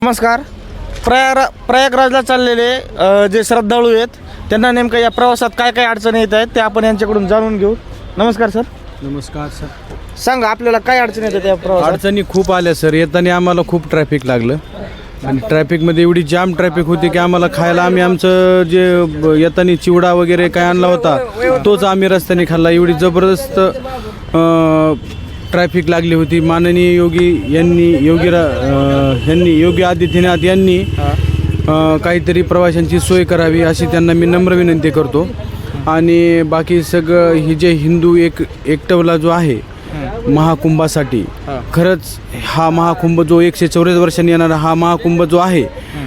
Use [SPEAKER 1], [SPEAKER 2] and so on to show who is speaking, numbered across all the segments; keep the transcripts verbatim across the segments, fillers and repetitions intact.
[SPEAKER 1] नमस्कार. प्रयाग प्रयागराजला चाललेले अ, जे श्रद्धाळू आहेत त्यांना नेमकं या प्रवासात काय काय अडचणी येत आहेत ते आपण यांच्याकडून जाणून घेऊ. नमस्कार सर.
[SPEAKER 2] नमस्कार सर.
[SPEAKER 1] सांगा आपल्याला काय अडचणी येतात या प्रवासात?
[SPEAKER 2] अडचणी खूप आल्या सर. येताना आम्हाला खूप ट्रॅफिक लागलं आणि ट्रॅफिकमध्ये एवढी जाम ट्रॅफिक होती की आम्हाला खायला आम्ही आमचं जे ब- येताना चिवडा वगैरे काय आणला होता तोच आम्ही रस्त्याने खाल्ला. एवढी जबरदस्त ट्रॅफिक लागली होती. माननीय योगी यांनी योगी रा अ, यांनी योगी आदित्यनाथ यांनी अ, काहीतरी प्रवाशांची सोय करावी अशी त्यांना मी नम्र विनंती करतो. आणि बाकी सगळं ही जे हिंदू एक एकटवला जो आहे महाकुंभासाठी, खरंच हा महाकुंभ जो एकशे चौऱ्याऐंशी वर्षांनी येणारा हा महाकुंभ जो आहे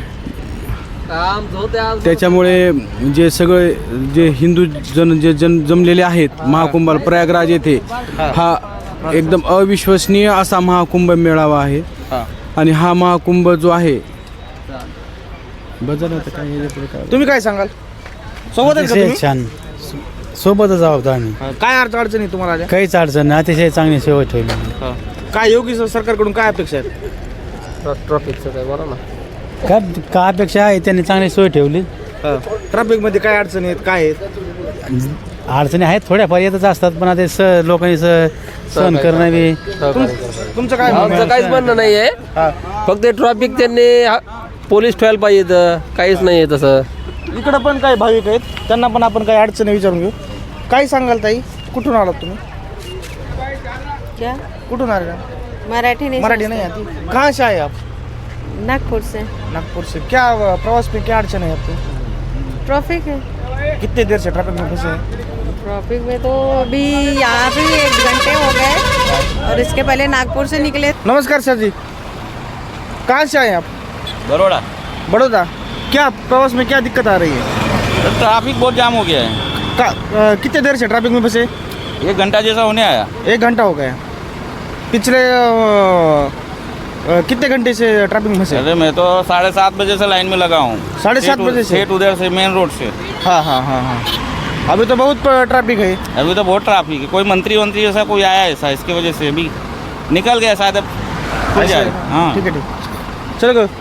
[SPEAKER 2] त्याच्यामुळे जे सगळे जे हिंदू जन जे जन जमलेले आहेत महाकुंभाला प्रयागराज येथे हा एकदम अविश्वसनीय असा महाकुंभ मेळावा आहे. आणि हा महाकुंभ जो आहे
[SPEAKER 1] तुम्ही काय सांगाल? सोबत आहेत का तुम्ही?
[SPEAKER 3] छान सोबतच आहोत आम्ही.
[SPEAKER 1] काय अर्थ अडचणी तुम्हाला आल्या?
[SPEAKER 3] काहीच अडचण नाही. अतिशय चांगली सेवा ठेवली.
[SPEAKER 1] काय योगी सरकारकडून काय अपेक्षा आहेत?
[SPEAKER 4] ट्रॉफिकचं काय बरं ना.
[SPEAKER 3] काय काय अपेक्षा आहे त्यांनी चांगली सोय ठेवली.
[SPEAKER 1] ट्रॅफिकमध्ये काय अडचणी आहेत, काय आहेत?
[SPEAKER 3] अडचणी आहेत थोड्याफार येतच असतात पण आता स लोकांनी स सहन करणं बी.
[SPEAKER 1] तुमचं काय म्हणणं
[SPEAKER 4] आमचं
[SPEAKER 1] आहे?
[SPEAKER 4] काहीच म्हणणं नाही आहे.
[SPEAKER 1] हा.
[SPEAKER 4] फक्त ट्रॉफिक त्यांनी हा- पोलीस ठेवायला पाहिजे. काहीच नाही आहे तसं.
[SPEAKER 1] इकडं पण काही भाविक आहेत त्यांना पण आपण काही अडचणी विचारून घेऊ. काय सांगाल ताई? कुठून आलात तुम्ही?
[SPEAKER 5] क्या
[SPEAKER 1] कुठून आले का?
[SPEAKER 5] मराठी नहीं
[SPEAKER 1] मराठी
[SPEAKER 5] समझते?
[SPEAKER 1] नहीं आती. कहाँ से आए आप?
[SPEAKER 5] नागपुर से.
[SPEAKER 1] नागपुर से. क्या प्रवास में क्या अड़चन है आपको?
[SPEAKER 5] ट्रैफिक है.
[SPEAKER 1] कितने देर से ट्रैफिक में फंसे हैं?
[SPEAKER 5] ट्रैफिक में तो अभी यहाँ भी एक घंटे हो गए और इसके पहले नागपुर से निकले.
[SPEAKER 1] नमस्कार सर जी. कहाँ से आए आप?
[SPEAKER 6] बड़ौदा.
[SPEAKER 1] बड़ौदा. क्या प्रवास में क्या दिक्कत आ रही है?
[SPEAKER 6] ट्रैफिक बहुत जाम हो गया है.
[SPEAKER 1] का, अ, कितने देर से ट्रैफिक में फंसे?
[SPEAKER 6] एक घंटा जैसा होने आया.
[SPEAKER 1] एक घंटा हो गया. पिछले अ, अ, कितने घंटे से ट्रैफिक में फंसे?
[SPEAKER 6] अरे मैं तो साढ़े सात बजे से लाइन में लगा हूँ.
[SPEAKER 1] साढ़े सात
[SPEAKER 6] सेठ-
[SPEAKER 1] बजे से?
[SPEAKER 6] सेठ उधर से मेन रोड से.
[SPEAKER 1] हाँ हाँ हाँ हाँ. अभी तो बहुत ट्रैफिक है.
[SPEAKER 6] अभी तो बहुत ट्रैफिक है. कोई मंत्री वंत्री ऐसा कोई आया ऐसा इसकी वजह से अभी निकल गया शायद. अब खुल जाए. हाँ
[SPEAKER 1] ठीक है ठीक. चलो गो.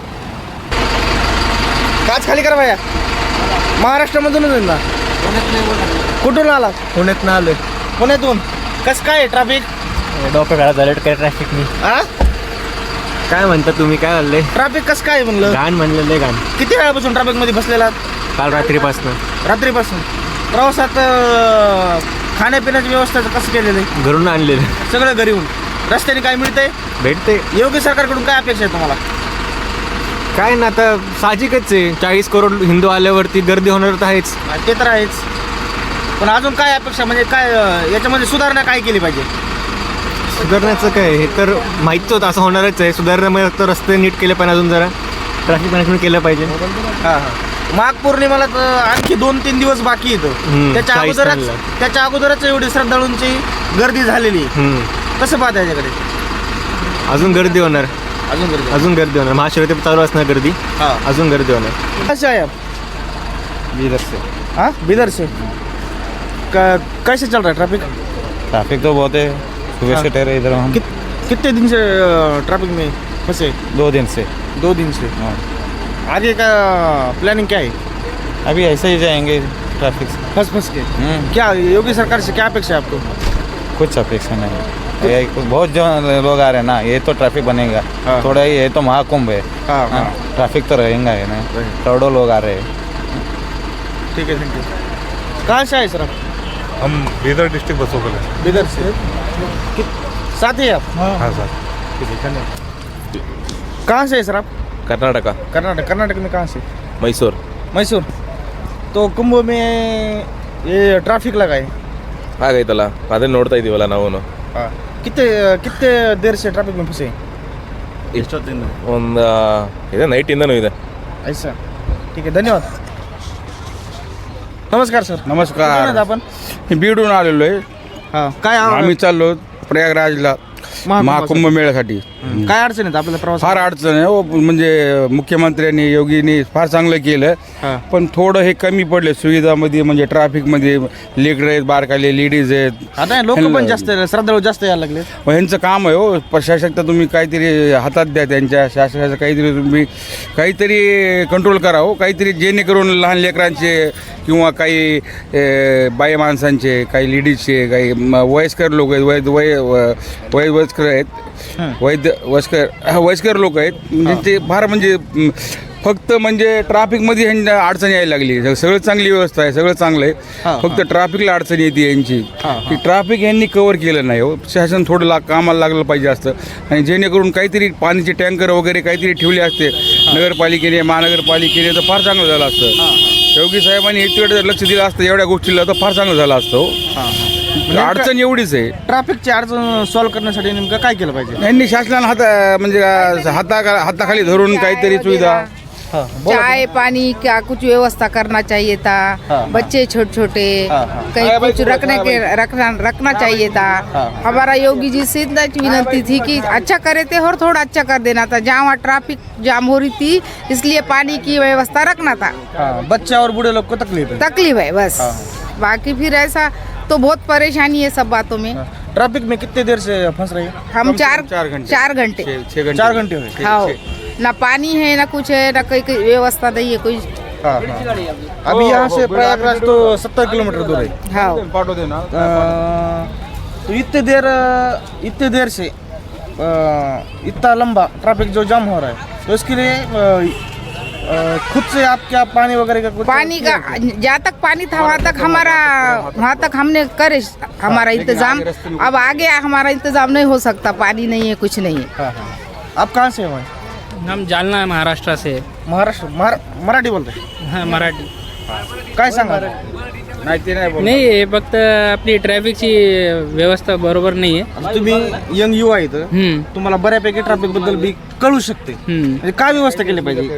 [SPEAKER 1] काच खाली करा भैया. महाराष्ट्रामधूनच आहे ना? कुठून आला?
[SPEAKER 3] पुण्यात ना आलोय.
[SPEAKER 1] पुण्यातून. कसं काय ट्रॅफिक?
[SPEAKER 3] डोकं घाला झालं काय ट्रॅफिकनी.
[SPEAKER 1] आ
[SPEAKER 3] काय म्हणता तुम्ही? काय म्हणले?
[SPEAKER 1] ट्रॅफिक कसं काय म्हणलं?
[SPEAKER 3] घाण म्हणलेलं घाण.
[SPEAKER 1] किती वेळापासून ट्रॅफिक मध्ये बसलेला?
[SPEAKER 3] काल रात्रीपासून.
[SPEAKER 1] रात्रीपासून. प्रवासात अं, खाण्यापिण्याची व्यवस्था कसं केलेलं आहे?
[SPEAKER 3] घरून आणलेलं.
[SPEAKER 1] सगळं घरी येऊन. रस्त्याने काय मिळतंय?
[SPEAKER 3] भेटते
[SPEAKER 1] योगी सरकारकडून काय अपेक्षा आहे तुम्हाला?
[SPEAKER 3] काय ना आता साहजिकच आहे. चाळीस करोड हिंदू आल्यावरती गर्दी होणार तर आहेच.
[SPEAKER 1] ते तर आहेच. पण अजून काय अपेक्षा म्हणजे काय अं, याच्यामध्ये सुधारणा काय केली पाहिजे?
[SPEAKER 3] सुधारण्याचं काय हे तर माहीतच होतं असं होणारच आहे. सुधारण्यामुळे तर रस्ते नीट केले पाहिजे. अजून जरा ट्रॅफिक मॅनेजमेंट केलं पाहिजे.
[SPEAKER 1] हां हां. माघ पौर्णिमेला तर आणखी दोन तीन दिवस बाकी येतं.
[SPEAKER 3] हम्म,
[SPEAKER 1] त्याच्या
[SPEAKER 3] चाळीस
[SPEAKER 1] अगोदरच
[SPEAKER 3] तारखेला.
[SPEAKER 1] त्याच्या अगोदरच एवढी श्रद्धाळूंची गर्दी झालेली आहे.
[SPEAKER 3] हम्म.
[SPEAKER 1] कसं पाहता याच्याकडे?
[SPEAKER 3] अजून गर्दी होणार.
[SPEAKER 1] अजून गर्दी.
[SPEAKER 3] अजून गर्दी होणार. महाशिवरात्री चालू असणार गर्दी.
[SPEAKER 1] हां.
[SPEAKER 3] अजून गर्दी होणार.
[SPEAKER 1] कसे आहे आप?
[SPEAKER 3] बिदर से.
[SPEAKER 1] हाँ बिदर से. क- कैसे चल रहा है ट्रैफिक?
[SPEAKER 6] ट्रैफिक तो बहुत है. सुबह से ठहरे इधर हम.
[SPEAKER 1] कित, कितने दिन से ट्रैफिक में फंसे?
[SPEAKER 6] दो दिन से.
[SPEAKER 1] दो दिन से.
[SPEAKER 6] हाँ.
[SPEAKER 1] आगे का प्लानिंग क्या है?
[SPEAKER 6] अभी ऐसे ही जाएंगे ट्रैफिक से.
[SPEAKER 1] फंस फंस के.
[SPEAKER 6] हम्म.
[SPEAKER 1] क्या योगी सरकार से क्या अपेक्षा है आपको?
[SPEAKER 6] कुछ अपेक्षा नहीं. ये बहुत जो लोग आ रहे हैं ना ये तो ट्रैफिक बनेगा.
[SPEAKER 1] हाँ.
[SPEAKER 6] थोड़ा ही ये तो महाकुंभ है.
[SPEAKER 1] हाँ हाँ.
[SPEAKER 6] हाँ, ट्रैफिक तो रहेगा है ना. करोड़ों लोग आ रहे हैं.
[SPEAKER 1] ठीक है थैंक यू. कहाँ से आए सर आप?
[SPEAKER 7] हम बीदर डिस्ट्रिक्ट बसों के
[SPEAKER 1] बिदर से. कित- साथ ही आप?
[SPEAKER 7] हाँ सर.
[SPEAKER 1] कहाँ से है सर आप?
[SPEAKER 8] कर्नाटका.
[SPEAKER 1] कर्नाटक. कर्नाटक में कहाँ से?
[SPEAKER 8] मैसूर.
[SPEAKER 1] मैसूर. तो कुंभ में ये ट्रैफिक लगा है.
[SPEAKER 8] ಹಾಗೈತಲ್ಲ ಅದೇ ನೋಡ್ತಾ ಇದೀವಲ್ಲ ನಾವು.
[SPEAKER 1] हाँ. कितने कितने देर से ट्रैफिक में फंसे?
[SPEAKER 8] ಎಷ್ಟೊತ್ತಿಂದ ಒಂದು ಇದೆ ನೈಟಿಂದನೂ ಇದೆ.
[SPEAKER 1] ऐसा. ठीक आहे धन्यवाद. नमस्कार सर. कुठून
[SPEAKER 2] नमस्कार.
[SPEAKER 1] आहेत आपण?
[SPEAKER 2] मी बीडून आलेलो आहे.
[SPEAKER 1] हां. काय
[SPEAKER 2] आम्ही चाललो प्रयागराजला
[SPEAKER 1] महाकुंभासाठी.
[SPEAKER 2] महाकुंभ मेळ्यासाठी.
[SPEAKER 1] काय अडचण आहेत आपल्याला प्रवास?
[SPEAKER 2] फार अडचण आहे हो. म्हणजे मुख्यमंत्र्यांनी योगींनी फार चांगलं केलं,
[SPEAKER 1] हां.
[SPEAKER 2] पण थोडं हे कमी पडले सुविधामध्ये. म्हणजे ट्रॅफिकमध्ये लेकरं आहेत, बारकाले लेडीज आहेत.
[SPEAKER 1] आता लोक पण जास्त श्रद्धाळू जास्त यायला लागले.
[SPEAKER 2] मग ह्यांचं काम आहे हो. प्रशासक तर तुम्ही काहीतरी हातात द्या त्यांच्या शासनाचं, काहीतरी तुम्ही काहीतरी कंट्रोल करा हो. काहीतरी जेणेकरून लहान लेकरांचे किंवा काही ए, बाई माणसांचे, काही लेडीजचे, काही म- वयस्कर लोक आहेत, वय वय व- वय वयस्कर आहेत, वैद्य वयस्कर हा, वयस्कर लोक आहेत. म्हणजे ते फार म्हणजे म, फक्त म्हणजे ट्रॅफिकमध्ये ह्यांना अडचण यायला लागली. सगळं चांगली व्यवस्था आहे, सगळं चांगलं आहे, फक्त ट्रॅफिकला अडचण येते यांची. की ट्रॅफिक यांनी कव्हर केलं नाही हो. शासन थोडं ला कामाला लागलं पाहिजे असतं, आणि जेणेकरून काहीतरी पाण्याचे टँकर वगैरे काहीतरी ठेवले असते नगरपालिकेने, महानगरपालिकेने, तर फार चांगलं झालं असतं. योगी साहेबांनी इतकडे लक्ष दिलं असतं एवढ्या गोष्टीला, तर फार चांगलं झालं असतं हो. अडचण एवढीच आहे.
[SPEAKER 1] ट्रॅफिकची अडचण सॉल्व्ह करण्यासाठी नेमकं काय केलं पाहिजे?
[SPEAKER 2] यांनी शासनाला हाता म्हणजे हाता हाताखाली धरून काहीतरी सुविधा.
[SPEAKER 9] चाय पानी का कुछ व्यवस्था करना चाहिए था। बच्चे छोटे छोटे कहीं कुछ रखने के रखना रखना चाहिए था। हमारा योगी जी से इतना विनती थी कि अच्छा करे थे और थोड़ा अच्छा कर देना था। जहाँ वहाँ ट्रैफिक जाम हो रही थी, इसलिए पानी की व्यवस्था रखना था।
[SPEAKER 1] बच्चे और बूढ़े लोग को तकलीफ है।
[SPEAKER 9] तकलीफ है बस, बाकी फिर ऐसा तो बहुत परेशानी है सब बातों में।
[SPEAKER 1] ट्रैफिक में कितने देर से फंस रहे हैं?
[SPEAKER 9] हम चार
[SPEAKER 2] चार घंटे
[SPEAKER 9] चार घंटे
[SPEAKER 2] छः घंटे
[SPEAKER 1] चार घंटे हुए।
[SPEAKER 9] हाँ, ना पानी है ना कुछ है ना कोई कोई व्यवस्था नहीं है कोई।
[SPEAKER 1] हाँ, हाँ। अभी यहाँ से प्रयागराज तो सत्तर किलोमीटर दूर है।
[SPEAKER 9] हाँ,
[SPEAKER 2] पाठव दे ना.
[SPEAKER 1] अ, तो इतने देर इतने देर से अ, इतना लंबा ट्रैफिक जो जाम हो रहा है, तो इसके लिए अ, अ, खुद से आप क्या पानी वगैरह का कुछ
[SPEAKER 9] पानी का जहाँ तक पानी था वहाँ तक हमारा वहाँ तक हमने करे हमारा इंतजाम। अब आगे हमारा इंतजाम नहीं हो सकता, पानी नहीं है, कुछ नहीं है।
[SPEAKER 1] हाँ, हाँ। आप कहाँ से हैं?
[SPEAKER 10] हम जालना महाराष्ट्र से.
[SPEAKER 1] महाराष्ट्र महार मराठी बोलते हैं?
[SPEAKER 10] हां, मराठी.
[SPEAKER 1] काय सांगा?
[SPEAKER 2] नाही ते नाही बोलत.
[SPEAKER 10] नाही, हे फक्त आपली ट्रॅफिकची व्यवस्था बरोबर नाही आहे.
[SPEAKER 1] आता तुम्ही यंग युवा आहेत,
[SPEAKER 10] हम्म,
[SPEAKER 1] तुम्हाला बऱ्यापैकी ट्रॅफिक बद्दल बी कळू शकते.
[SPEAKER 10] हम्म.
[SPEAKER 1] म्हणजे काय व्यवस्था केली पाहिजे?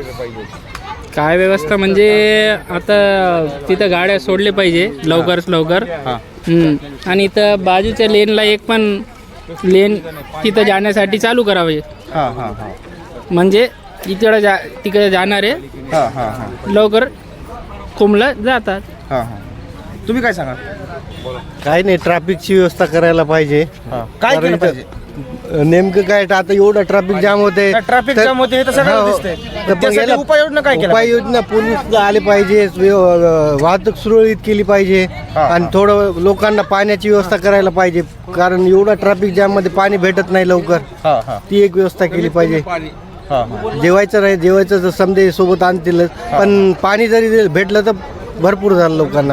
[SPEAKER 10] काय व्यवस्था म्हणजे आता तिथं गाड्या सोडले पाहिजे लवकरच लवकर. हम्म. आणि इथं बाजूच्या लेनला एक पण लेन तिथं जाण्यासाठी चालू करावे,
[SPEAKER 1] हां हां हां
[SPEAKER 10] म्हणजे इकडं जा तिकडे जाणारे
[SPEAKER 1] हां हां हां
[SPEAKER 10] लवकर कुंभला जातात.
[SPEAKER 1] हां हां तुम्ही काय सांगा?
[SPEAKER 3] काय नाही, ट्रॅफिकची व्यवस्था करायला पाहिजे.
[SPEAKER 1] काय केलं पाहिजे?
[SPEAKER 3] नेमकं काय आता एवढं ट्रॅफिक जाम होते,
[SPEAKER 1] ट्रॅफिक जाम होते हे तर सगळ्यांना दिसतंय. त्यासाठी उपाययोजना काय केल्या पाहिजे?
[SPEAKER 3] उपाययोजना पोलीस आले पाहिजे, व्यव- वाहतूक सुरळीत केली पाहिजे, आणि थोडं लोकांना पाण्याची व्यवस्था करायला पाहिजे, कारण एवढा ट्रॅफिक जाम मध्ये पाणी भेटत नाही लवकर.
[SPEAKER 1] हां हां
[SPEAKER 3] ती एक व्यवस्था केली पाहिजे.
[SPEAKER 1] हां हां
[SPEAKER 3] जेवायचं नाही, जेवायचं तर समजे सोबत आणतीलच, पण पाणी जरी भेटलं तर भरपूर झालं लोकांना.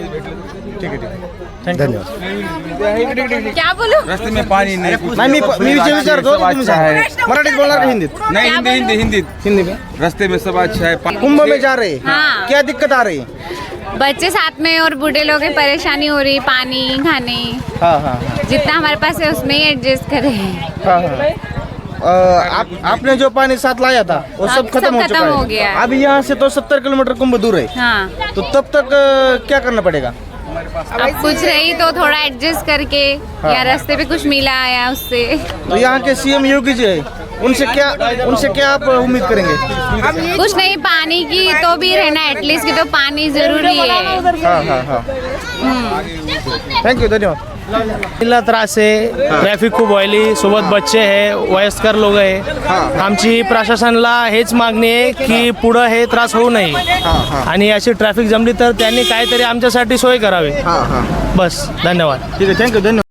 [SPEAKER 1] ठीक आहे ठीक आहे.
[SPEAKER 3] धन्यवाद.
[SPEAKER 9] क्या बोलूं?
[SPEAKER 2] रस्ते में पाणी नाही.
[SPEAKER 1] नाही मी मी विचार विचारतो, तुम्ही सांगा. मराठीत बोलणार का हिंदीत?
[SPEAKER 2] नहीं हिंदी हिंदी हिंदी
[SPEAKER 1] हिंदी में.
[SPEAKER 2] रास्ते में सब अच्छा है.
[SPEAKER 1] कुंभ में जा रहे हैं,
[SPEAKER 11] हाँ।
[SPEAKER 1] क्या दिक्कत आ रही है?
[SPEAKER 11] बच्चे साथ में और बूढ़े लोग की परेशानी हो रही, पानी खाने
[SPEAKER 1] हाँ हाँ हाँ
[SPEAKER 11] जितना हमारे पास है उसमें ही एडजस्ट करें।
[SPEAKER 1] हाँ हाँ अ, आप आपने जो पानी साथ लाया था वो
[SPEAKER 11] हाँ,
[SPEAKER 1] सब खत्म
[SPEAKER 11] सब
[SPEAKER 1] हो
[SPEAKER 11] खत्म
[SPEAKER 1] चुका
[SPEAKER 11] हो
[SPEAKER 1] है।
[SPEAKER 11] गया है।
[SPEAKER 1] अभी यहाँ से तो सत्तर किलोमीटर कुंभ दूर है,
[SPEAKER 11] हाँ,
[SPEAKER 1] तो तब तक अ, क्या करना पड़ेगा?
[SPEAKER 11] अब कुछ रही तो थोड़ा एडजस्ट करके या रास्ते पे कुछ मिला या उससे।
[SPEAKER 1] तो यहाँ के सीएम योगी जी है, उनसे क्या उनसे क्या आप उम्मीद करेंगे?
[SPEAKER 11] कुछ नहीं, पानी की तो भी रहना एटलीस्ट, की तो पानी जरूरी है।
[SPEAKER 1] हाँ हाँ हाँ थँक यू, धन्यवाद.
[SPEAKER 12] तिला त्रास आहे, ट्रॅफिक खूप व्हायली, सोबत बच्चे आहे, वयस्कर लोक आहे. आमची प्रशासनाला हेच मागणी आहे की पुढं हे त्रास होऊ नये, आणि अशी ट्रॅफिक जमली तर त्यांनी काहीतरी आमच्यासाठी सोय करावी. बस, धन्यवाद.
[SPEAKER 1] ठीक आहे, थँक्यू, धन्यवाद.